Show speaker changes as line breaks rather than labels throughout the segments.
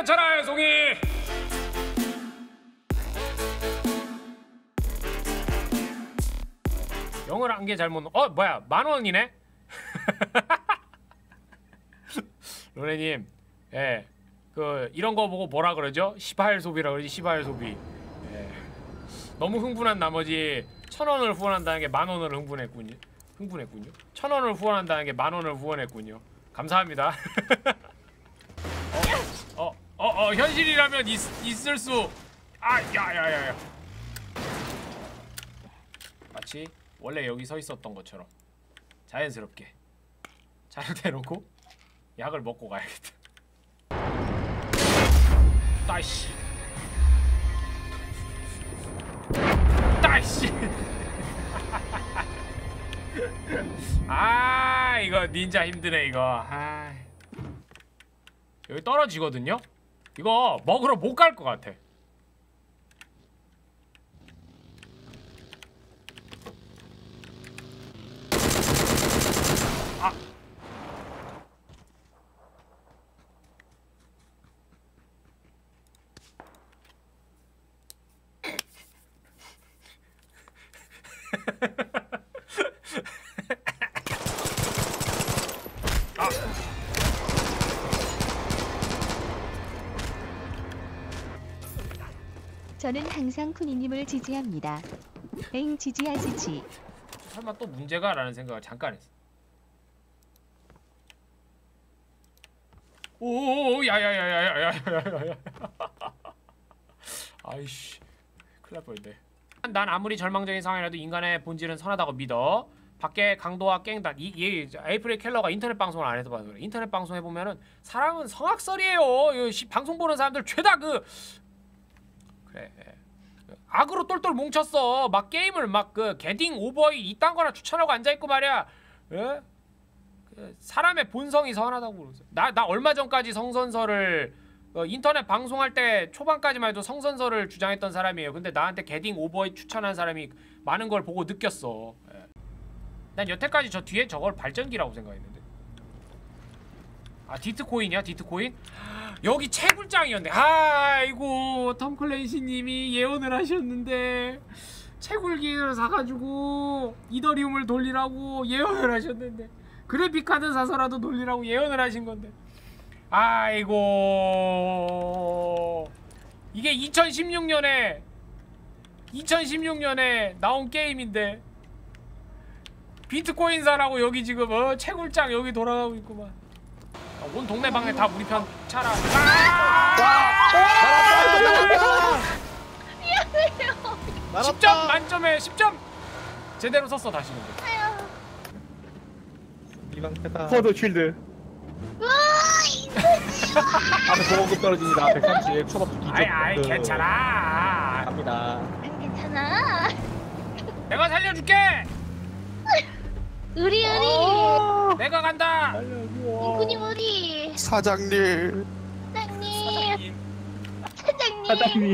괜찮아요, 송이. 영어를 한 개 잘못. 뭐야, 10,000원이네. 로네님, 예, 그 이런 거 보고 뭐라 그러죠? 시바일 소비라 그러지. 시바일 소비. 예. 너무 흥분한 나머지 1,000원을 후원한다는 게 10,000원을 흥분했군요. 1,000원을 후원한다는 게 10,000원을 후원했군요. 감사합니다. 현실이라면 있을 수. 야야야야. 마치 원래 여기 서 있었던 것처럼 자연스럽게 차를 대놓고 약을 먹고 가야겠다. 따이씨. 이거 닌자 힘드네 이거. 여기 떨어지거든요? 이거 먹으러 못 갈 것 같아.
저는 항상 쿠니님을 지지합니다. 엥 지지하시지.
설마 또 문제가? 라는 생각을 잠깐 했어. 오오오 야야야야야야야야. 아이씨 큰일 날 뻔했네. 난 아무리 절망적인 상황이라도 인간의 본질은 선하다고 믿어. 밖에 강도와 깽단 에이프릴 켈러가 인터넷 방송을 안 해서 봐서 그래. 인터넷 방송 해보면은 사람은 성악설이에요. 방송 보는 사람들 죄다 그래 악으로 똘똘 뭉쳤어. 막 게임을 막 게딩 오버이 이딴 거나 추천하고 앉아있고 말이야. 예? 사람의 본성이 선하다고 그러죠. 나 얼마 전까지 성선설을 인터넷 방송할 때 초반까지만 해도 성선설을 주장했던 사람이에요. 근데 나한테 게딩 오버이 추천한 사람이 많은 걸 보고 느꼈어. 예. 난 여태까지 저 뒤에 저걸 발전기라고 생각했는데. 디트코인이야? 디트코인? 여기 채굴장이었네. 아이고 톰 클레이시님이 예언을 하셨는데 채굴기를 사가지고 이더리움을 돌리라고 예언을 하셨는데 그래픽카드 사서라도 돌리라고 예언을 하신 건데. 아이고 이게 2016년에 나온 게임인데 비트코인 사라고 여기 지금 채굴장 여기 돌아가고 있구만. 온 동네 방네 다 우리 편 차라.
미안해요.
10점 만점에 10점 제대로 썼어 다시. 근데
이방패다.
포드 쉴드.
앞에 보호급 떨어집니다. 130 초밥 뒤쪽.
아이 괜찮아.
갑니다.
괜찮아.
내가 살려줄게.
의리.
내가 간다.
인구님 의리.
사장님.
사장님.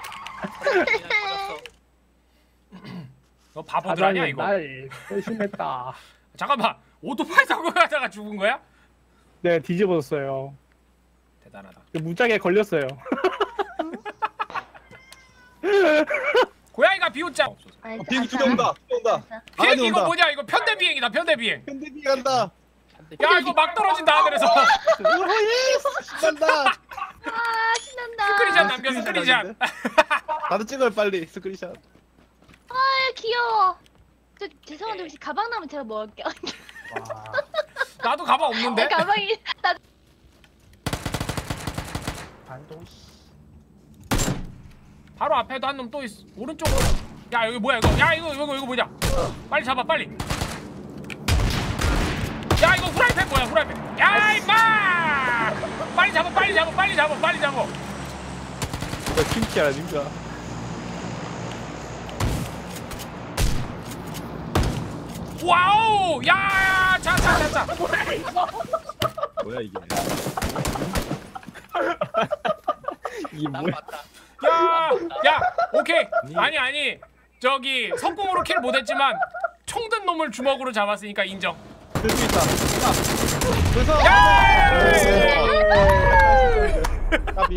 너 바보들 아니야 이거?
날 배신했다.
잠깐만 오토바이 타고 가다가 죽은 거야?
네, 뒤집어졌어요.
대단하다.
무작에 걸렸어요.
고양이가 비웃자.
비행기 두 대 온다.
비행기 이거 뭐냐? 이거 편대 비행이다. 편대 비행.
편대비 간다.
야 이거 막 떨어진다 하늘에서.
간다.
신난다.
스크린샷 남겨. 스크린샷.
나도 찍어요 빨리 스크린샷.
귀여워. 저 죄송한데 혹시 가방 나면 제가 먹을게요.
나도 가방 없는데?
가방이 나.
바로 앞에도 한 놈 또 있어. 오른쪽으로. 야 여기 뭐야 이거? 야 이거 뭐냐? 빨리 잡아 빨리. 야 이거 후라이팬 뭐야 후라이팬? 야 임마! 빨리 잡아.
김치야 님자.
와우! 야! 자.
뭐야 이게?
이 뭐야?
야! 오케이. 아니. 저기 석궁으로 킬 못했지만 총 든 놈을 주먹으로 잡았으니까 인정.
들 수 있다. 그래서 까비.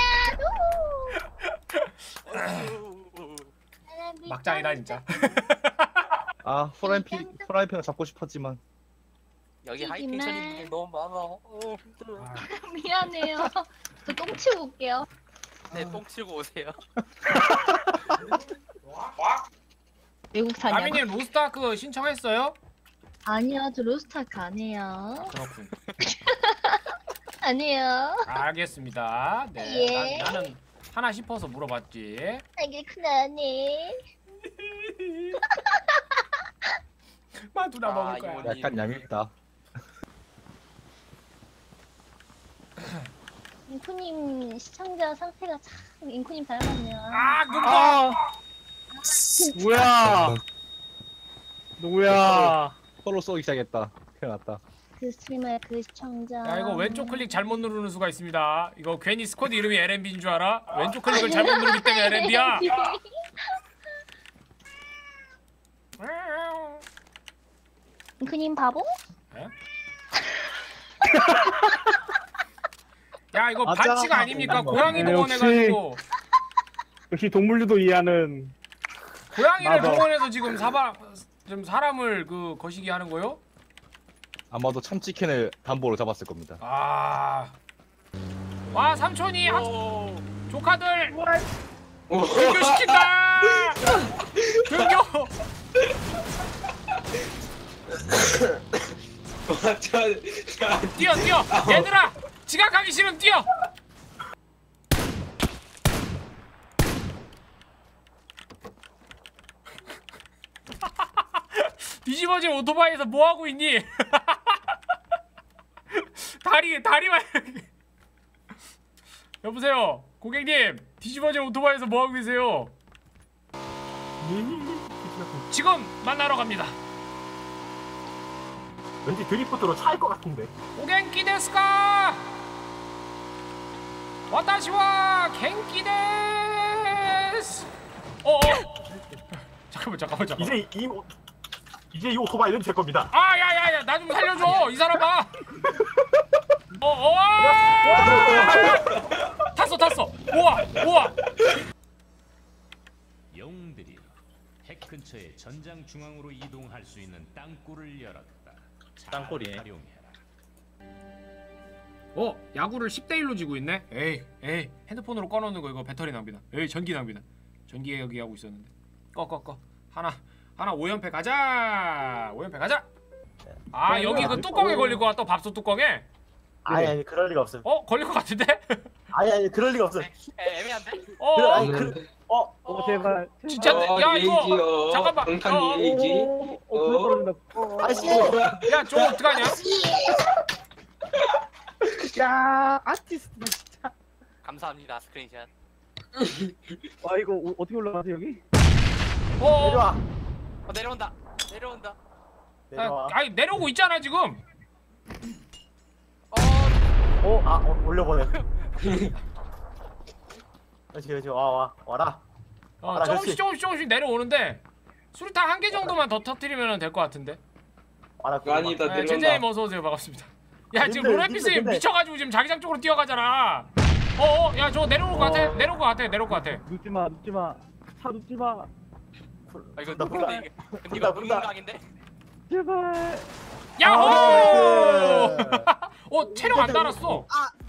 막장이다 진짜.
아 프라이팬을 잡고 싶었지만.
여기 하이텐션인 분들 너무 많아. 힘들어.
미안해요. 저 똥 치고 올게요.
네, 똥 치고 오세요.
외국 사냥.
아미님 로스트아크 신청했어요?
아니요, 저 로스트아크 안 해요.
그렇군.
아니에요.
알겠습니다. 네.
예.
나는 하나 싶어서 물어봤지.
알겠구나, 네.
마두나
아,
먹을 거야.
이거-
약간 얄밉다.
인코님 시청자 상태가 참 인코님 닮았네요.
아, 눈
아 뭐야 누구야?
서로 쏘기 시작했다. 큰일 났다.
그 스트리머의 그 시청자.
야 이거 왼쪽 클릭 잘못 누르는 수가 있습니다. 이거 괜히 스쿼드 이름이 LMB인 줄 알아? 왼쪽 클릭을 잘못 누르기 때문에 LMB야.
인코님 바보?
야 이거
맞아.
반칙 아닙니까? 고양이
네,
동원해가지고
역시 동물들도 이해하는.
고양이를
맞아.
동원해서 지금 사람을 그 거시기 하는 거요?
아마도 참치캔을 담보로 잡았을 겁니다.
아, 와 삼촌이 조카들 등교시킨다. 등교. 뛰어 얘들아 지각하기 싫으면 뛰어. 뒤집어진 오토바이에서 뭐 하고 있니? 다리만 여보세요 고객님 뒤집어진 오토바이에서 뭐 하고 계세요? 지금 만나러 갑니다.
왠지 드리프트로 차일 것 같은데.
오겐키 데스까? 와타시와 겐키 데스. 잠깐만.
이제 이 오토바이는 제 겁니다.
아, 야야야, 나 좀 살려줘, 이 사람아. 탔어. 우와.
영웅들이 핵 근처의 전장 중앙으로 이동할 수 있는 땅굴을 열었다. 잘
땅굴이네.
활용해라.
야구를 10대1로 지고 있네. 에이, 핸드폰으로 꺼놓는 거 이거 배터리 낭비다. 에이, 전기 낭비다. 전기 여기 하고 있었는데. 꺼. 하나 5연패 가자. 아, 여기 그 뚜껑에 걸릴 것 같다. 밥솥 뚜껑에.
아니 그럴 리가 없어요.
걸릴 것 같은데?
아니 그럴 리가 없어요.
애매한데?
제발.
진짜? 야 이거 잠깐만.
불러 떨어진다.
아씨.
야 저거 어떡하냐?
야 아티스트 진짜.
감사합니다, 스크린샷.
와 이거 어떻게 올라가지 여기?
내려와.
내려온다.
내려와.
아니 내려오고 있잖아 지금.
올려보내. 그렇지. 와라. 알아,
조금씩 내려오는데 수류탄 한 개 정도만 더 터뜨리면 될 것 같은데.
와라.
아니다 내려온다.
제재님 어서 오세요. 반갑습니다. 야 지금
근데,
로레피스
근데.
미쳐가지고 지금 자기장 쪽으로 뛰어가잖아. 야 저거 내려올 것 같아.
눕지마. 차 눕지마.
이거
나
근데 이거 분각인데?
제발.
야호! 체력 안 달았어.